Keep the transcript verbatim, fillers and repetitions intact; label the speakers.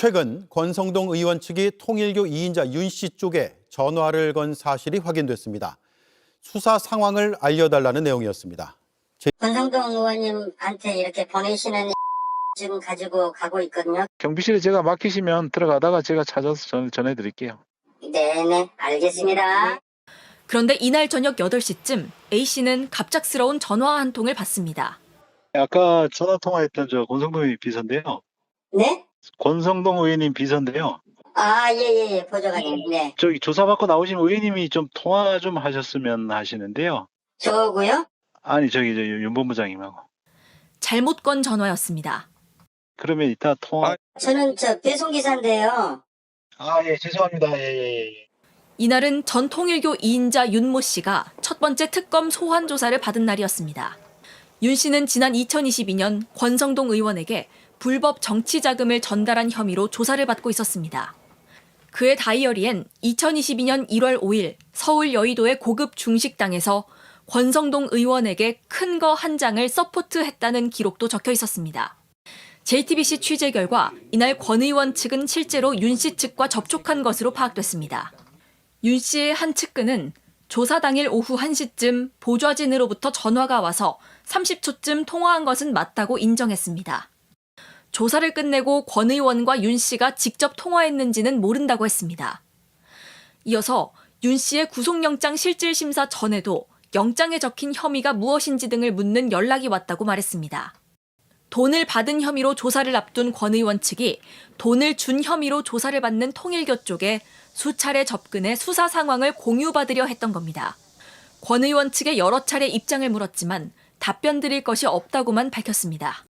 Speaker 1: 최근 권성동 의원 측이 통일교 이 인자 윤 씨 쪽에 전화를 건 사실이 확인됐습니다. 수사 상황을 알려달라는 내용이었습니다.
Speaker 2: 권성동 의원님한테 이렇게 보내시는 지금 가지고 가고 있거든요.
Speaker 3: 경비실에 제가 맡기시면 들어가다가 제가 찾아서 전, 전해드릴게요.
Speaker 2: 네네, 알겠습니다.
Speaker 4: 그런데 이날 저녁 여덟 시쯤 A씨는 갑작스러운 전화 한 통을 받습니다.
Speaker 3: 아까 전화 통화했던 저 권성동 의원 비서인데요.
Speaker 2: 네?
Speaker 3: 권성동 의원님 비서인데요.
Speaker 2: 아, 예, 예, 예, 보좌관님. 네.
Speaker 3: 저기 조사받고 나오신 의원님이 좀 통화 좀 하셨으면 하시는데요.
Speaker 2: 저고요?
Speaker 3: 아니 저기 저 윤 본부장님하고.
Speaker 4: 잘못 건 전화였습니다.
Speaker 3: 그러면 이따 통화.
Speaker 2: 저는 저 배송기사인데요.
Speaker 3: 아, 예, 죄송합니다. 예, 예, 예.
Speaker 4: 이날은 전 통일교 이 인자 윤모 씨가 첫 번째 특검 소환 조사를 받은 날이었습니다. 윤 씨는 지난 이천이십이 년 권성동 의원에게 불법 정치 자금을 전달한 혐의로 조사를 받고 있었습니다. 그의 다이어리엔 이천이십이 년 일월 오일 서울 여의도의 고급 중식당에서 권성동 의원에게 큰 거 한 장을 서포트했다는 기록도 적혀 있었습니다. 제이티비씨 취재 결과 이날 권 의원 측은 실제로 윤 씨 측과 접촉한 것으로 파악됐습니다. 윤 씨의 한 측근은 조사 당일 오후 한 시쯤 보좌진으로부터 전화가 와서 삼십 초쯤 통화한 것은 맞다고 인정했습니다. 조사를 끝내고 권 의원과 윤 씨가 직접 통화했는지는 모른다고 했습니다. 이어서 윤 씨의 구속영장 실질심사 전에도 영장에 적힌 혐의가 무엇인지 등을 묻는 연락이 왔다고 말했습니다. 돈을 받은 혐의로 조사를 앞둔 권 의원 측이 돈을 준 혐의로 조사를 받는 통일교 쪽에 수차례 접근해 수사 상황을 공유받으려 했던 겁니다. 권 의원 측에 여러 차례 입장을 물었지만 답변 드릴 것이 없다고만 밝혔습니다.